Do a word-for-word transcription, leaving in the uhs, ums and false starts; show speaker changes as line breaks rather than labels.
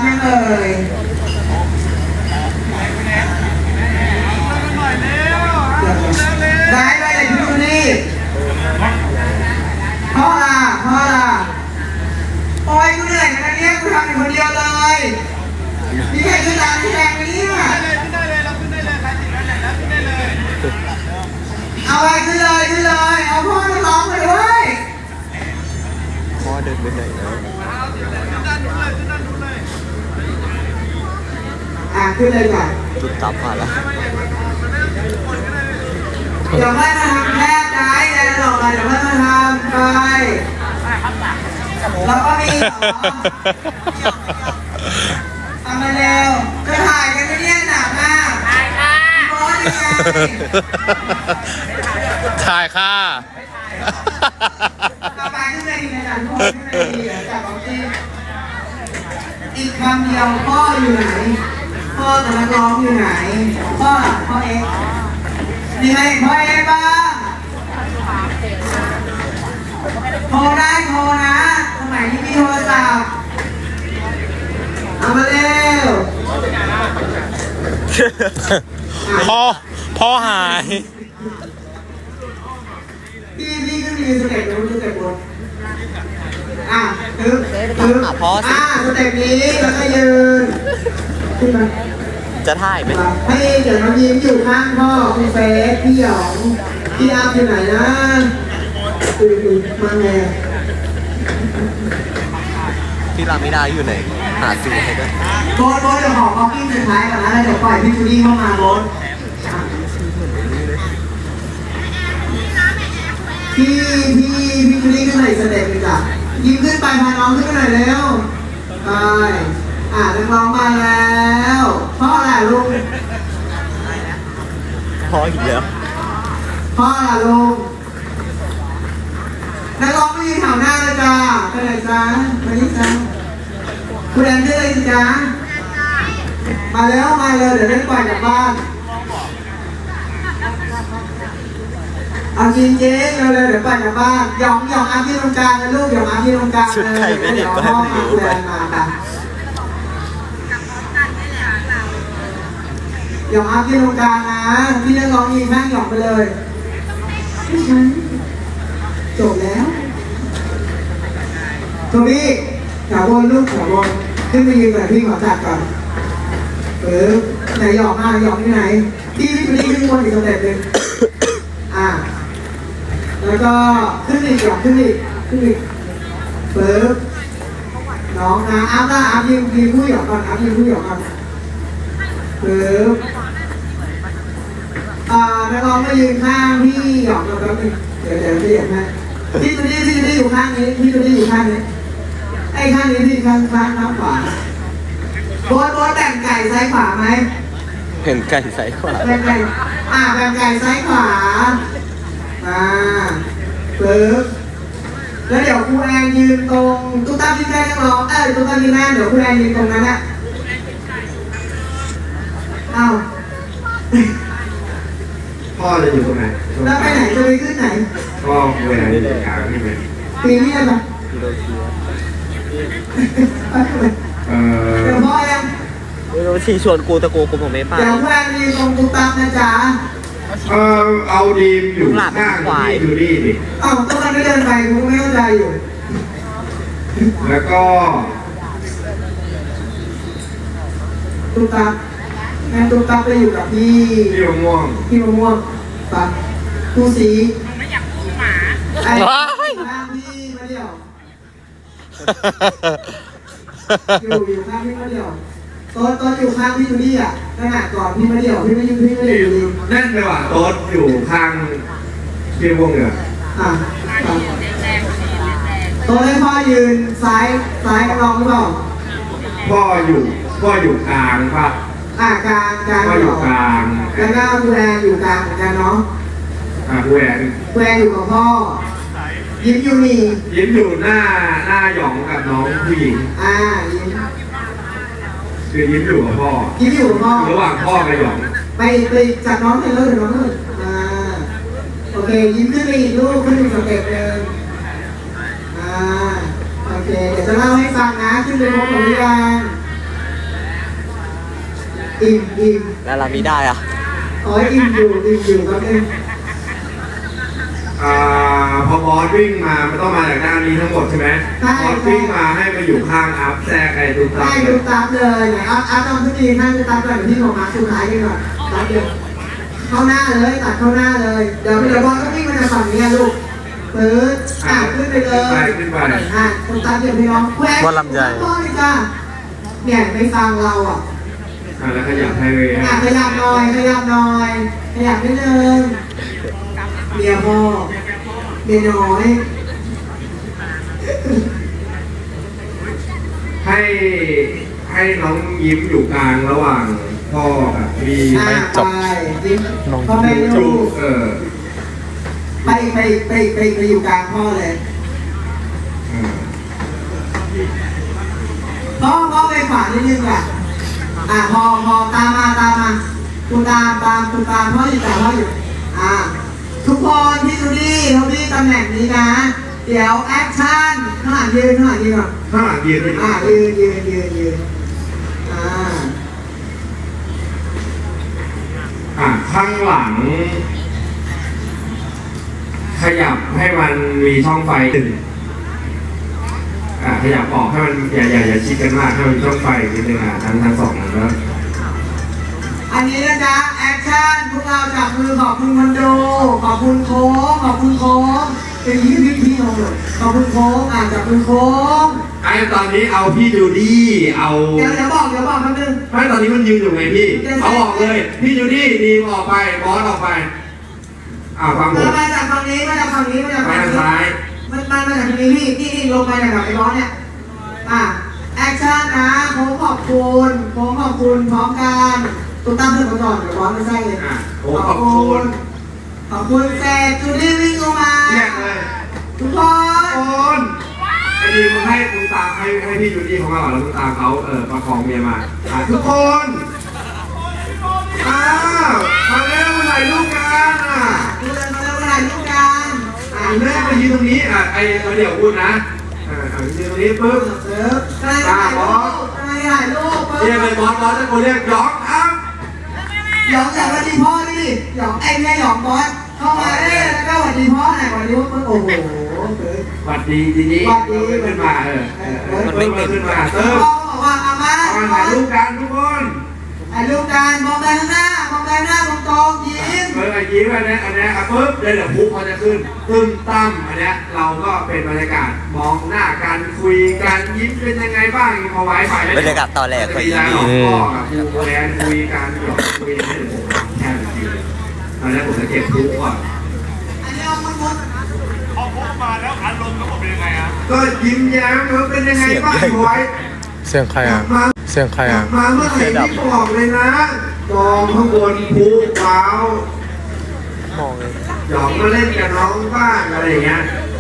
ยังเอ่ยได้ไปเลยพี่นี่พ่อล่ะพ่อล่ะโอ้ยกูเหนื่อยนะเนี่ยกูทำอยู่คนเดียวเลยมีใครขึ้นตามที่แรงไหมเนี่ยเอาไปขึ้นเลยขึ้นเลยเอาพ่อมาร้องมาด้วย
พ่อเดินไปไหนแล้ว
อ่ะขึ้นเลยก่อน
จุดตับมาแล้ว
เดี๋ยวให้มาทำแค่ใจใจหลอกเลยเดี๋ยวให้มาทำไปแล้วก็มีเหรอทำมาเร็วจะถ่ายกันไม่เนี่ยหนักมากถ่ายค่ะโพสยังไง
ถ่ายค่ะ
ต่อไปขึ้นเลยดีนะจ๊ะทุกคนขึ้นเลยดีเดี๋ยวจับเอาที่อีกคำเดียวพ่ออยู่ไหนพ่อกับนักร้องอยู่ไหนพ่อพ่อเอ็กมีใครพ่อเอ็กบ้างโทรได้โทรนะสมัยนี้มีโทรศัพท์เอามาเร็ว
พ่อพ่อหาย
พี่พี่ก็มีสเต็ปนู้นสเต็ปบนอ่ะตึ๊บตึ๊บอ่ะสเต็ปนี้แล้วก็ยืนขึ้นมา
จะถ่ายไหม
ให้เดี๋ยวน้องยิ้มอยู่ข้างพ่อคุณเฟสพี่หยองพี่อาร์อยู่ไหนนะดูดูมาไง
พี่รามิดาอยู่ไหนหาซื้อให้ด้วย
โบสโบสเดี๋ยวขอก๊อปปี้สุดท้ายก่อนนะแล้วเดี๋ยวปล่อยพี่จูดี้เข้ามาโบสพี่พี่พี่จูดี้ขึ้นหน่อยสเต็ปเลยจ้ะยิ้มขึ้นไปพาน้องขึ้นไปหน่อยเร็วไปอ่ะนักร้องมาแล้วพ่อแหละลุง
พ่ออีกแล้ว
พ่อแหละลุงนักร้องไม่ยืนแถวหน้าเลยจ้าไปไหนจ้ามานี่จ้าคุณแอนได้เลยจ้ามาแล้วมาเลยเดี๋ยวเล่นปล่อยกลับบ้านเอาจริงเจ๊เร็วๆเดี๋ยวปล่อยกลับบ้านหยองหยองอาที่ตรงกลางเลยลูกหยองอาที่ตรงกลางเลยเดี๋ยวพ่อมาคุณแอนมาค่ะหยองอาที่ตรงกลางนะพี่นักร้องยิงแม่งหยองไปเลยไม่ใช่จบแล้วตรงนี้ขาบนลูกขาบนขึ้นไปยืนแบบพี่ขอจัดก่อนเออไหนหยอกมาหยอกที่ไหนพี่พี่พี่ขึ้นบนอีกสเต็ปหนึ่งอ่าแล้วก็ขึ้นอีกหยอกขึ้นอีกขึ้นอีกเปิดน้องนะอัพนะอัพยิงยิงผู้หยอกก่อนอัพยิงผู้หยอกก่อนเปิดอ่านักร้องมายืนข้างพี่หยอกก่อนแป๊บนึงเดี๋ยวเดี๋ยวพี่หยอกให้พี่ตัวนี้พี่ตัวนี้อยู่ข้างนี้พี่ตัวนี้อยู่ข้างนี้ไอ้ข้างนี้พี่ข้างข้างข้างขวาโบสโบสแบ่งไก่ซ้ายขวาไหม
เห็นไก่ซ้ายขวา
แบ่งไก่อ่าแบ่งไก่ซ้ายขวาอ่าปึ๊บแล้วเดี๋ยวครูแอนยืนตรงตุ๊กตาที่แม่นักร้องเออตุ๊กตาที่แม่เดี๋ยวครูแอนยืนตรงนั้นนะอ้าว
พ่อจะอยู่ตรงไหน
แล้วไปไหนจะไปขึ้นไหน
พ่อเวลาอยู่กลางนี่ไหม
ปีนี้อะไรเออเดี๋ยวพ่อยัง
เดี๋ยวทีชวนกูตะโกกูผมไม่ไป
เดี๋ยวแฟนยืนตรงตุ๊กตานะจ๊ะ
เออเอาดีมอยู่ข้างที่ดูดีดิ
อ้าวตุ๊กตาไม่เดินไปกูไม่เข้าใจอยู่
แล้วก็
ตุ๊กตาแม่ตุ๊กตาไปอยู่กับพี่
พี่มะม่วง
พี่มะม่วงปะกูสี
ไม่อยากพูดหมา
ไอ้ข้างพี่มาเดี่ยวอยู่อยู่ข้างพี่มาเดี่ยวตอนตอนอยู่ข้างพี่จูดี้อ่ะขนาดก่อนพี่มาเดี่ยวพี่ไม่ยืนพี่ไม่ได้อยู่
นั่นเลยว่ะโต๊ดอยู่ข้างพี่มะม่วงเหรอ
อ่ะโต๊ดให้พ่อยืนซ้ายซ้ายกับน้องหรือเปล่า
พ่ออยู่พ่ออยู่กลางป่ะ
อ่ากลางกลาง
พ่ออยู่กลาง
แล้วก็ครูแอนอยู่กลางเหมือนกันเนาะ
อ่าครูแอน
ครูแอนอยู่กับพ่อยิ้มอยู่นี่
ยิ้มอยู่หน้าหน้าหยองกับน้องผู้หญิง
อ่ายิ้ม
คือยิ้มอยู่กับพ่อ
ยิ้มอยู่กับพ่อ
ระหว่างพ่อกับหยอง
ไปไปจับน้องไปเลยน้องเลยอ่าโอเคยิ้มขึ้นไปอีกลูกขึ้นอีกสเต็ปหนึ่งอ่าโอเคเดี๋ยวจะเล่าให้ฟังนะขึ้นไปพบกับพี่แดงอิ่มอิ่ม
แล้วลามิได้อะ
อ๋ออิ่มอยู่อิ่มอยู่ครับเอง
อ่าพอบอสวิ่งมามันต้องมาจากด้านนี้ทั้งหมดใช่ไหมบอสวิ่งมาให้มาอยู่ข้างอัพแทรกไอ้ตุ๊กตา
ให้ดูตามเลยไหนอาอาร์ตทำทุกทีให้ดูตามเลยที่ของมาสุดท้ายกันก่อนตัดเดียวเข้าหน้าเลยตัดเข้าหน้าเลยเดี๋ยวเดี๋ยวบอลก็วิ่งมาจากฝั่งนี้ลูกเปิดอ่ะขึ้นไปเลย
ขึ้นไป
อ่ะคนตามเดี๋ยวพี่น้องแคว
บอลลำใหญ่
พ่อเลยจ้าเนี่ยไม่ฟังเราอ่ะ
อ่าแล้วขยับให้เว
อ่ะขยับหน่อยขยับหน่อยขยับนิดนึงเมียพ่อเมียน้อย
ให้ให้น้องยิ้มอยู่กลางระหว่างพ่อกับพี่
อ่ะ
ไม่จบ
ไปยิ้ม
น้อง
พ่อแม่
จู
ลูก
เออ
ไปไปไปไปไปอยู่กลางพ่อเลย
อ่า
พ่อพ่อไปขวานิดนึงอ่ะอ่ะพอพอตามมาตามมาคุณตามตามคุณตามพ่ออยู่ตามพ่ออยู่อ่ะทุกคนที่ดูดีเขาดีตำแหน่งนี้นะ เดี๋ยวแอคชั่นข้างหลังยืนข้างหลังยืนก่อน
ข้างหลังยืนด้วย
อ่ะยืนยืนยืนยืนอ่า
อ่ะข้างหลัง ขยับให้มันมีช่องไฟหนึ่งอ่ะขยับออกให้มันอย่าอย่าอย่าชิดกันมากให้มันมีช่องไฟนิดนึงอ่ะทั้งทั้งสองอันแล้ว
อันนี้นะจ๊ะแอคชั่นพวกเราจับมือขอบคุณคนดูขอบคุณโค้งขอบคุณโค้งเป็นยี่พี่พี่น้องเลยขอบคุณโค้งอ่ะจับมือโค้ง
ไอ้ตอนนี้เอาพี่จูดี้เอา
เดี๋ยวเดี๋ยวบอกเดี๋ยวบอกแป๊บนึง
ไม่ตอนนี้มันยืนอยู่ไงพี่เอาออกเลย พี่จูดี้ดีมออกไปบอสออกไปอ่าฟังผม
มาจากฝั่งนี้มาจากฝั่งนี้มาจาก
ไป
ฝั่ง
ทาง
นี้
ซ้าย
มันมาจากฝั่งนี้พี่นี่นี่ลงไปจากไอ้ร้อนเนี่ยอ่ะแอคชั่นนะโค้งขอบคุณโค้งขอบคุณพร้อมกันตุ้มตั้มเพื่อนก่อนเดี๋ยวร้อนไม่ใช่เลย
อ่ะโอ้ขอบคุณ
ขอบคุณเสร็จจูดี้วิ่งลงมา
เรียกเลย
ทุกคน
คนไอ้ดีมึงให้มึงตามให้ให้พี่จูดี้ของเราแล้วมึงตามเขาเออประคองเมียมาอ่ะทุกคนอ้าวมาเร็วถ่ายรูปกันอ่ะ
ดูเลยมาแล้วถ่ายรูปกันอ่ะ
อ่ะแม่ไปยืนตรงนี้อ่ะไอ้เดี๋ยวพูดนะอ่าอ่ะยืนตรงนี้ปุ๊บ
เสิร์ฟกำลังถ่ายรูปกำลังถ่ายรูป
เรียกเลยบอสบอสตะโกนเรียกยอกครับ
หยองจากวันดีพ่อดิหยองไอ้แม่หยองบอสเข้ามาเอ้แล้วก็วันดีพ่อหน่อยวันดีพ่อโอ้โห
สวัสดีทีนี้
สวัสดี
ขึ้นมาเออเออเออเพิ่มมาขึ้นมาเติม
พ่อบอกว่าเอามา
เอามาถ่ายรูปกันทุกคน
ถ่ายรูปกันมองไปข้างหน้ามองไปข้างหน้ามองตรงยิ้ม
เออไอ้ยิ้มอันเนี้ยอันเนี้ยอ่ะปุ๊บเดี๋ยวเดี๋ยวพุกเขาจะขึ้นตึ้มตั้มอันเนี้ยเราก็เป็นบรรยากาศมองหน้ากันคุยกันยิ้มเป็นยังไงบ้างพอไว้ฝ่าย
บรรยากาศตอนแรก
พ
ก็
ยา
อี
ยาม
นี่
พ่อกับครูแอนคุยกันหยอกคุยให้ผมแค่นาทีตอนแรกผมจะเก็บพุกก่อน
อันนี้เอามันหมด
พอพบมาแล้วอารมณ์ก็เป็นยังไงอ่ะ
ก็ยิ้มแย้มเขาเป็นยังไงบ้างพอไว้
เสียงใครอ่ะ
มา
เสียงใครอ่ะ
มาเมื่อไหร่ที่บอกเลยนะกองข้างบนภูเปล่าม
องเลย
หยอกมาเล่นกับน้องบ้างอะไรอย่างเงี้ย